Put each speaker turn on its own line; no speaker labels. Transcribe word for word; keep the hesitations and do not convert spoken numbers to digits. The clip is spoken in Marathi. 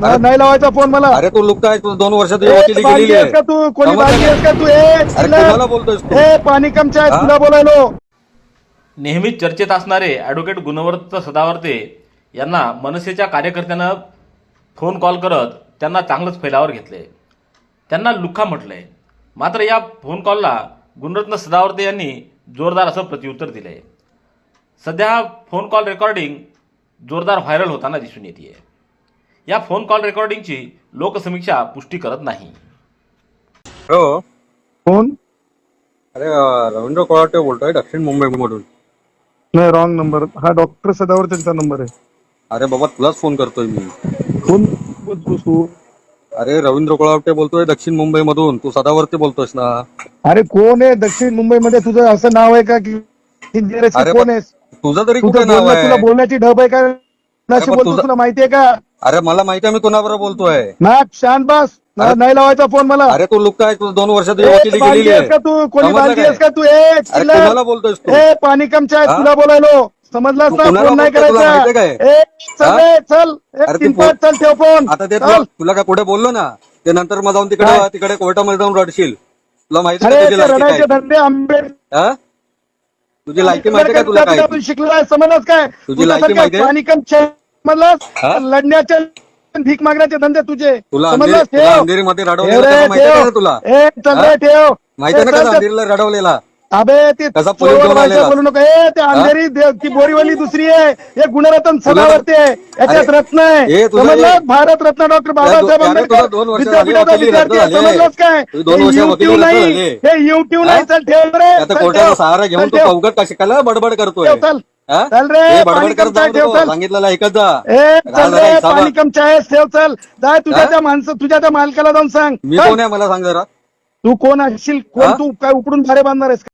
ना- नाही लावायचा फोन मला.
अरे तू लुक काय तू दोन वर्षात
ए,
वकिली
बांगी
केलेली
आहेस
आहे.
का तू? कोणी
समजलं
बांगी
का?
आहेस का तू? ए
अरे
चिल्लर.
कोणाला बोलतोयस तू?
ए पाणी कमच्या
हा?
तुला बोलायलो.
नेहमीच चर्चेत असणारे ॲडव्होकेट गुणवर्त सदावर्ते यांना मनसेच्या कार्यकर्त्यानं फोन कॉल करत त्यांना चांगलंच फैलावर घेतले. त्यांना लुख्खा म्हटलंय. मात्र या फोन कॉलला गुणरत्न सदावर्ते यांनी जोरदार असं प्रत्युत्तर दिलंय. सध्या हा फोन कॉल रेकॉर्डिंग जोरदार व्हायरल होताना दिसून येते. या फोन कॉल रेकॉर्डिंगची लोकसमीक्षा पुष्टी करत नाही.
हो
फोन
अरे अं, रवींद्र कोळाटे बोलतोय दक्षिण मुंबईमधून.
नाही, रॉंग नंबर. हा डॉक्टर सदावर त्यांचा नंबर आहे.
अरे बाबा तुलाच फोन करतोय मी.
फोन बोलतोस तू?
अरे रवींद्र कोळाटे बोलतोय दक्षिण मुंबईमधून. तू सदावरती बोलतोयस ना?
अरे कोण आहे दक्षिण मुंबईमध्ये? तुझं असं नाव आहे का की इंजिनियर आहेस की
अरे
कोण
पण
आहेस?
तुझं तरी
तुझं
कुठे नाव
बोलणं, तुला
आहे?
बोलण्याची ढब आहे का? नाशी
पण
बोलतोस,
तुझं-
तुला माहितीये का?
अरे मला माहिती आहे मी कोणाबरोबर बोलतोय.
ना शांत बस. ना-
अरे-
नाही लावायचा फोन मला.
अरे तू लुक काय तू दोन वर्षात
ए,
वकिली
बांगी
केलेली
आहेस
आहे.
का तू? कोणी
समजलं
बांगी
काय?
आहेस का तू? ए
अरे
चिल्लर.
कोणाला बोलतोयस तू?
ए पाणी कमच्या
हा?
तुला बोलायलो. समजलास
तू
ना?
कोणाला
फोन नाही
बोलतोय तुला
करायचा.
माहितीये काय?
ए चल
हा?
रे चल.
अरे
एक
ते
तीन
फोन-
पाच चल ठेव फोन.
आता ते
चल.
तुला तुला काय पुढे बोललो ना ते नंतर मग जाऊन तिकडे
काय?
तिकडे कोर्टामध्ये जाऊन रडशील. तुला माहिती
अरे
आहे तुझी
ते
लायकी
रडायचे
काय?
धंदे आंबे
हा? तुझी लायकी माहिती का तुला काय?
आपण शिकलोय समजलंच काय?
तुझी लायकी
तुझ्यासारख्या
माहितीये?
पाणी कम समजलंस?
हा?
लढण्याचे भीक मागण्याचे धंदे तुझे.
तुला
समजलंस?
अंधेरी तुला
ठेव.
अंधेरीमध्ये
ठेव
रडवलेलं
रे,
कसं माहिती आहे
ठेव.
का तुला?
ए चल
हा?
रे ठेव.
माहिती आहे
ए,
ना
चल,
कसं
चल.
अंधेरीला रडवलेला?
अबे ते
कसा पोलीस घेऊन
चोर
आलेला?
बोलू नको. ए ते अंधेरी दे- ती बोरीवली दुसरी आहे. हे गुणरत्न सदावर्ते आहे. याच्यात
अरे,
रत्न आहे.
हे तुझं
समजलं?
हे-
भारत रत्न डॉक्टर बाबासाहेब
अरे, तुझं
आंबेडकर
दोन वर्ष झाली
विद्यापीठाचा
वकिली रद्द
विद्यार्थी आहे.
झाली आहे.
समजलंच काय?
तुझी दोन
हे
वर्ष
युट्यूब
वकिली रद्द
नाही.
झाली आहे.
हे युट्यूब
हा?
नाही. चल ठेव रे.
आता
चल,
कोर्टाचा
ठेव.
सहारा घेऊन
चल,
तू
ठेव.
अवघड का शिकायला बडबड करतोय?
ठेव, चल.
हा?
चल रे,
हे
पाणी
बडबड करत
कमचाय,
जाऊ
ठेव,
नको.
चल.
सांगितलेलं ऐकत जा.
ए
राहा
चल
जरा
रे
हिसाबात.
पाणी कमच्या आहेस ठेव चल. जाय तुझ्या
हा?
त्या माणसं तुझ्या त्या मालकाला जाऊन सांग.
मी
चल.
कोण आहे मला सांग जरा.
तू कोण असशील? कोण
हा?
तू काय उकडून भारे बांधणार आहेस?